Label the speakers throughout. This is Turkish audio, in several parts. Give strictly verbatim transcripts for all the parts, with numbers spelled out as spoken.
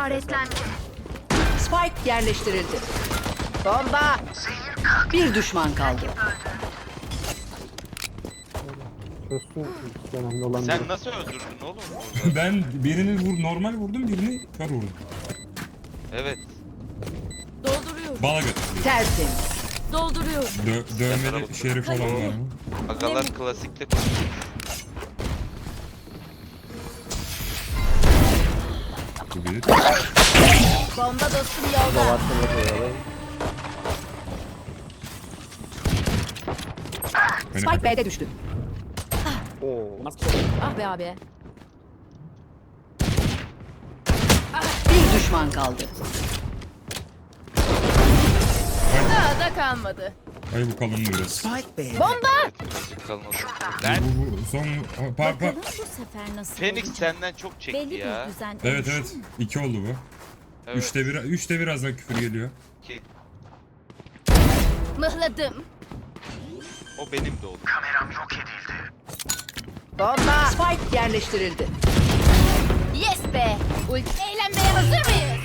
Speaker 1: işaretlendi.
Speaker 2: Spike yerleştirildi. Bomba. Bir düşman kaldı.
Speaker 3: Çözsün önemli olan.
Speaker 4: Sen nasıl öldürdün oğlum?
Speaker 5: Ben birini vur, normal vurdum, birini kör vurdum.
Speaker 4: Evet.
Speaker 1: Dolduruyorum.
Speaker 5: Bala götür.
Speaker 2: Tertemiz.
Speaker 1: Dolduruyorum.
Speaker 5: Dö dövmeli şerif olan var mı?
Speaker 4: Agalar klasikle konuşuyor.
Speaker 5: Bu bir.
Speaker 1: Bomba dostum yolda.
Speaker 3: Varsın koyalım.
Speaker 5: Beni
Speaker 2: Spike B'de düştü.
Speaker 3: Oo.
Speaker 1: Ah be abi.
Speaker 2: Bir düşman kaldı.
Speaker 1: Daha da kalmadı.
Speaker 5: Ay bu kalın biraz.
Speaker 1: Bomba!
Speaker 4: Birazcık kalmadı.
Speaker 5: Bu,
Speaker 4: Ben
Speaker 5: bu, bu son pa, pa.
Speaker 6: Bakalım bu sefer nasıl
Speaker 4: Phoenix
Speaker 6: olacak?
Speaker 4: senden çok çekti
Speaker 6: Belli
Speaker 4: ya.
Speaker 6: bir düzen
Speaker 5: Evet
Speaker 6: oluştu
Speaker 5: evet.
Speaker 6: mu?
Speaker 5: İki oldu bu.
Speaker 4: Evet.
Speaker 5: Üçte bir, üçte birazdan küfür geliyor.
Speaker 4: Ki,
Speaker 1: Mıhladım.
Speaker 4: o benim de oldu.
Speaker 2: Bomba. Spike yerleştirildi.
Speaker 1: Yes be! Ulti eğlenmeye hazır mıyız?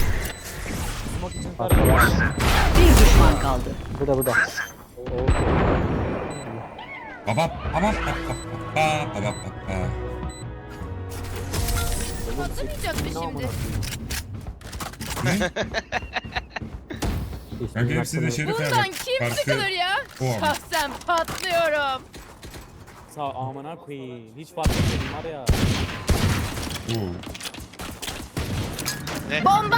Speaker 2: Bir düşman kaldı.
Speaker 3: Burada burada. Oo.
Speaker 5: Babap, babap, babap, babap, babap, babap.
Speaker 1: Patlamayacak mı şimdi?
Speaker 5: Kanka hepsi de şerif
Speaker 1: Bundan
Speaker 5: abi.
Speaker 1: kim sıkılır ya?
Speaker 5: o ama.
Speaker 1: Şahsen patlıyorum.
Speaker 7: Sağ amına koyayım. Hiç fark etmedim var ya.
Speaker 5: Oo.
Speaker 1: Bomba!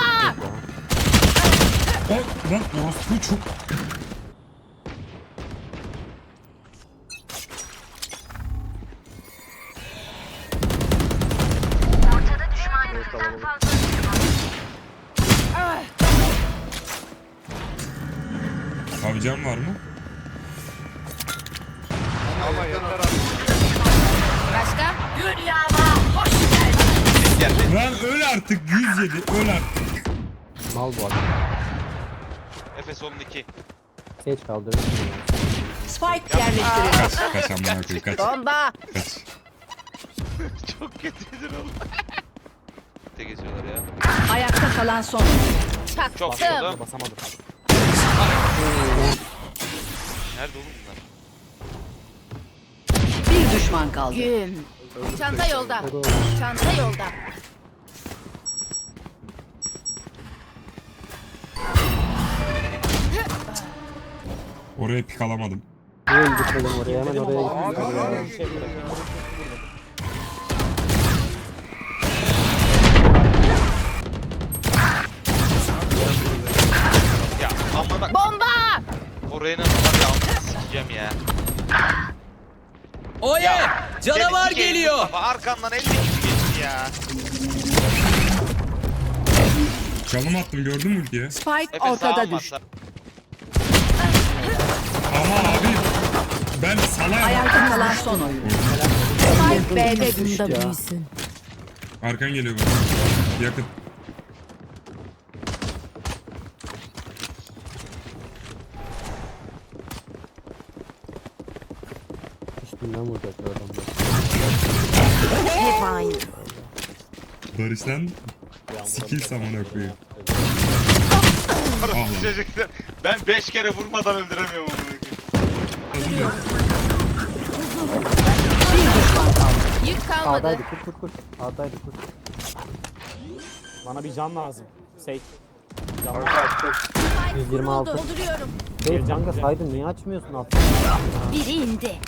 Speaker 5: O lan orospu çok. Savcam var mı?
Speaker 1: Başka?
Speaker 5: Lan öl artık yüz yedi öl artık.
Speaker 3: Mal bu adam.
Speaker 4: Efes on iki.
Speaker 3: Geç kaldırırsın ya.
Speaker 2: Spike yerleştirildi.
Speaker 5: Kaç kaç amına koyayım kaç.
Speaker 2: Bomba.
Speaker 5: Kaç.
Speaker 4: Çok kötüydür oğlum. Te geçiyorlar ya.
Speaker 2: Ayakta kalan son.
Speaker 4: Çok
Speaker 1: Çaktım.
Speaker 4: solda.
Speaker 7: Basamadım.
Speaker 4: Nerede oğlum bunlar?
Speaker 2: Bir düşman kaldı.
Speaker 1: Güm. Çanta yolda. Çanta yolda.
Speaker 5: Oraya pik alamadım.
Speaker 3: Niye gitmedim oraya? Hemen oraya gittim.
Speaker 4: Ya ama bak
Speaker 1: Bomba!
Speaker 4: oraya nasıl var ya amına sikeceğim ya.
Speaker 8: Oye! Canavar
Speaker 4: Seni sikeyim
Speaker 8: geliyor.
Speaker 4: Mustafa, arkandan elli kişi geçti ya.
Speaker 5: Çalım attım gördün mü ultiye?
Speaker 2: Spike
Speaker 4: Efe sağa
Speaker 2: ortada
Speaker 4: almazsa.
Speaker 2: düştü.
Speaker 5: Ama abi ben salak.
Speaker 2: Ayakta kalan son oyun. Spike B'de düştü.
Speaker 5: Arkan geliyor bana. Yakın.
Speaker 3: Üstünden vuracaklar adamlar.
Speaker 5: Barış lan skill samana koyuyor. Ah lan.
Speaker 4: Çocuklar ben beş kere vurmadan öldüremiyorum onu.
Speaker 2: Bir düşman kaldı.
Speaker 1: Yük kalmadı.
Speaker 3: Sağdaydı kur kur kur. Sağdaydı kur.
Speaker 7: Bana bir can lazım. Sey. Can lazım.
Speaker 3: yüz yirmi altı.
Speaker 1: Dolduruyorum.
Speaker 3: Hey Canga saydın niye açmıyorsun altını?
Speaker 1: Biri indi.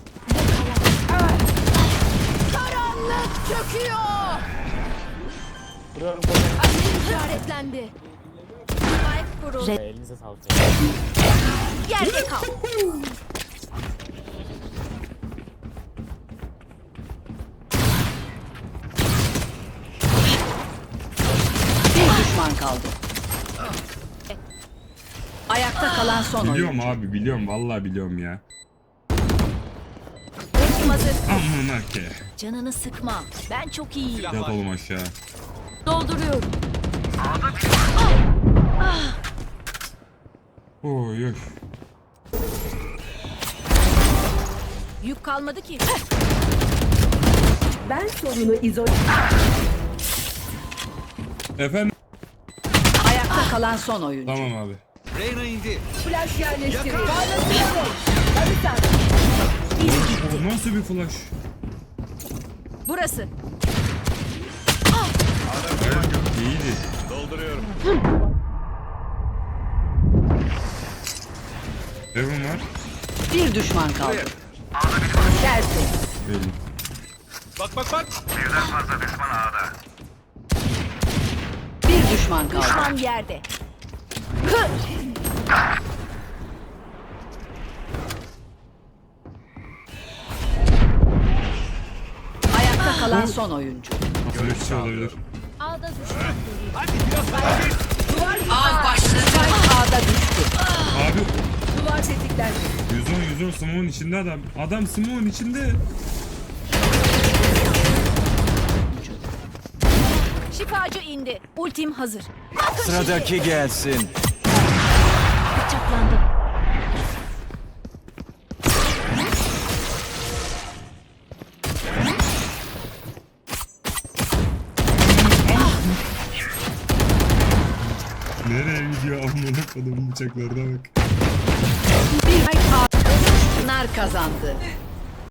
Speaker 1: Karanlık çöküyor.
Speaker 7: Vuruyorum koyayım.
Speaker 1: Ateş işaretlendi. Spike vuruldu.
Speaker 7: Elinize sağlık.
Speaker 1: Yerde kal.
Speaker 2: Bir düşman kaldı. Ayakta kalan son oyun.
Speaker 5: Biliyorum abi biliyorum vallahi biliyorum ya.
Speaker 1: Ultim hazır.
Speaker 5: Amına ke.
Speaker 1: Canını sıkma. Ben çok iyiyim.
Speaker 5: Yat oğlum aşağı.
Speaker 1: Dolduruyorum.
Speaker 5: Oy oy.
Speaker 1: Yük kalmadı ki.
Speaker 2: Ben sorunu izole...
Speaker 5: Efendim?
Speaker 2: Ayakta kalan son oyuncu.
Speaker 5: Tamam abi.
Speaker 2: Flash yerleştirin.
Speaker 5: O nasıl bir flash?
Speaker 1: Burası.
Speaker 5: İyiydi.
Speaker 6: Dolduruyorum.
Speaker 5: Evim var.
Speaker 2: Bir düşman kaldı. Gelsin.
Speaker 5: Belli.
Speaker 6: Bak bak bak.
Speaker 2: Bir düşman kaldı.
Speaker 1: Düşman yerde.
Speaker 2: Ayakta kalan son oyuncu.
Speaker 5: Flashçı olabilir.
Speaker 1: Ağda düşman.
Speaker 2: Av başladı. A'da düştü.
Speaker 5: Abi
Speaker 2: Duvar tetiklendi.
Speaker 5: yüz on yüz on smoke'un içinde adam. Adam smoke'un içinde.
Speaker 1: Şifacı indi. Ultim hazır.
Speaker 6: Sıradaki gelsin.
Speaker 1: Bıçaklandı.
Speaker 5: Nereye gidiyor amına kodumun bıçaklarına bak.
Speaker 2: Bir ay kaldı. Nar kazandı.